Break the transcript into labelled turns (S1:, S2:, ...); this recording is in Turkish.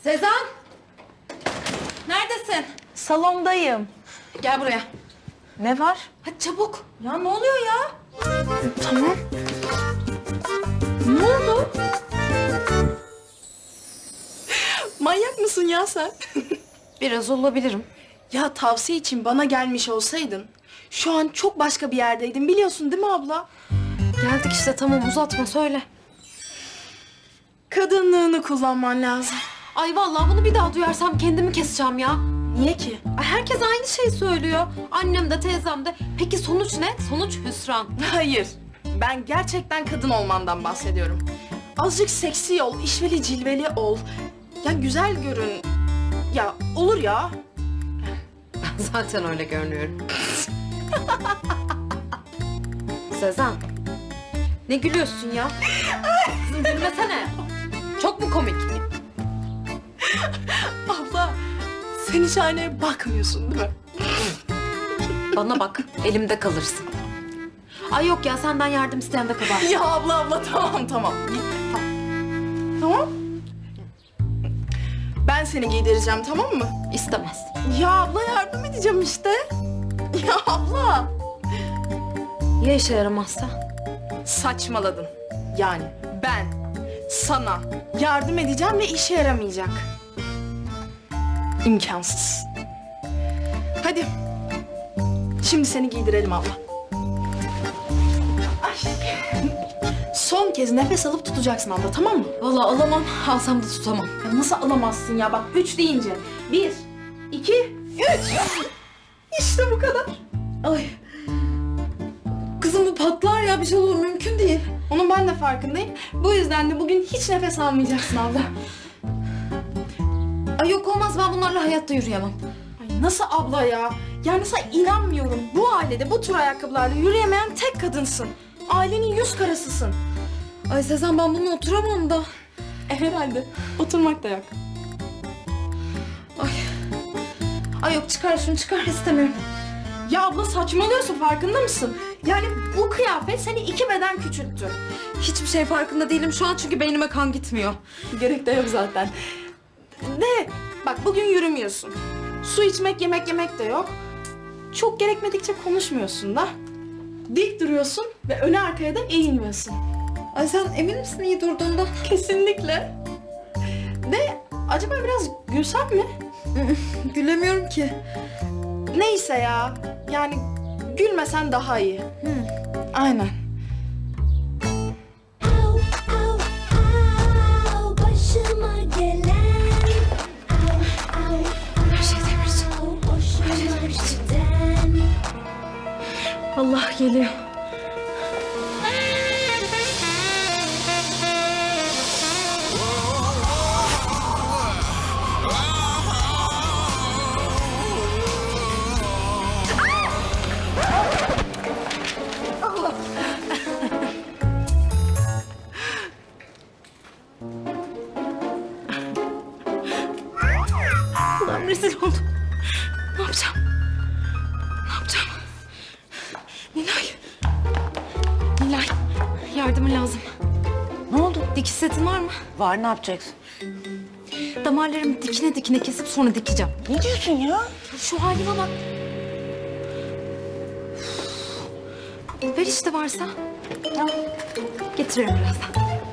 S1: Sezen! Neredesin?
S2: Salondayım.
S1: Gel buraya.
S2: Ne var?
S1: Hadi çabuk. Ya ne oluyor ya?
S2: Tamam.
S1: Ne oldu? Manyak mısın ya sen?
S3: Biraz olabilirim.
S1: Ya tavsiye için bana gelmiş olsaydın şu an çok başka bir yerdeydin biliyorsun değil mi abla?
S3: Geldik işte, tamam, uzatma, söyle.
S1: Kadınlığını kullanman lazım.
S3: Ay vallahi bunu bir daha duyarsam kendimi keseceğim ya.
S1: Niye ki?
S3: Ay herkes aynı şeyi söylüyor. Annem de teyzem de. Peki sonuç ne? Sonuç hüsran.
S1: Hayır. Ben gerçekten kadın olmandan bahsediyorum. Azıcık seksi ol, işveli cilveli ol. Ya güzel görün. Ya olur ya.
S3: Ben zaten öyle görünüyorum. Sezen. Ne gülüyorsun ya? Kızım gülmesene. Çok mu komik?
S1: Abla sen hiç aynaya bakmıyorsun değil mi?
S3: Bana bak, elimde kalırsın. Ay yok ya, senden yardım isteyen de kabahat.
S1: Ya abla tamam. Git, tamam. Tamam. Ben seni giydireceğim tamam mı?
S3: İstemez.
S1: Ya abla yardım edeceğim işte. Ya abla.
S3: Ya işe yaramazsa?
S1: Saçmaladın. Yani ben sana yardım edeceğim ve işe yaramayacak. İmkansız. Hadi. Şimdi seni giydirelim abla. Ay. Son kez nefes alıp tutacaksın abla tamam mı?
S3: Vallahi alamam, alsam da tutamam.
S1: Ya nasıl alamazsın ya? Bak 3 deyince. 1, 2, 3. İşte bu kadar.
S3: Ay. Kızım bu patlar ya, bir şey olur, mümkün değil.
S1: Onun ben de farkındayım. Bu yüzden de bugün hiç nefes almayacaksın abla.
S3: Ay yok olmaz, ben bunlarla hayatta yürüyemem.
S1: Ay nasıl abla ya? Yani sana inanmıyorum. Bu ailede bu tür ayakkabılarla yürüyemeyen tek kadınsın. Ailenin yüz karasısın.
S3: Ay Sezen, ben bununla oturamam da.
S1: Herhalde. Oturmak da yok.
S3: Ay yok, çıkar şunu, çıkar, istemiyorum.
S1: Ya abla saçmalıyorsun farkında mısın? Yani bu kıyafet seni 2 beden küçülttü.
S3: Hiçbir şey farkında değilim şu an çünkü beynime kan gitmiyor.
S1: Gerek de yok zaten. De bak bugün yürümüyorsun. Su içmek, yemek yemek de yok. Çok gerekmedikçe konuşmuyorsun da. Dik duruyorsun ve öne arkaya da eğilmiyorsun.
S3: Ay sen emin misin iyi durduğunda?
S1: Kesinlikle. De acaba biraz gülsem mi?
S3: Gülemiyorum ki.
S1: Neyse ya. Yani gülmesen daha iyi. Aynen.
S4: Au, au, au, başıma gelen. Au, au,
S3: Her şey demirci.
S4: au, hoşuma giden.
S3: Allah geliyor. Allah'ım rezil oldum. Ne yapacağım? Ne yapacağım? Nilay, yardımın lazım.
S2: Ne oldu?
S3: Dikiş setin var mı?
S2: Var, ne yapacaksın?
S3: Damarlarımı dikine dikine kesip sonra dikeceğim.
S2: Ne diyorsun ya?
S3: Şu halime bak. Ver işte varsa. Getiririm birazdan.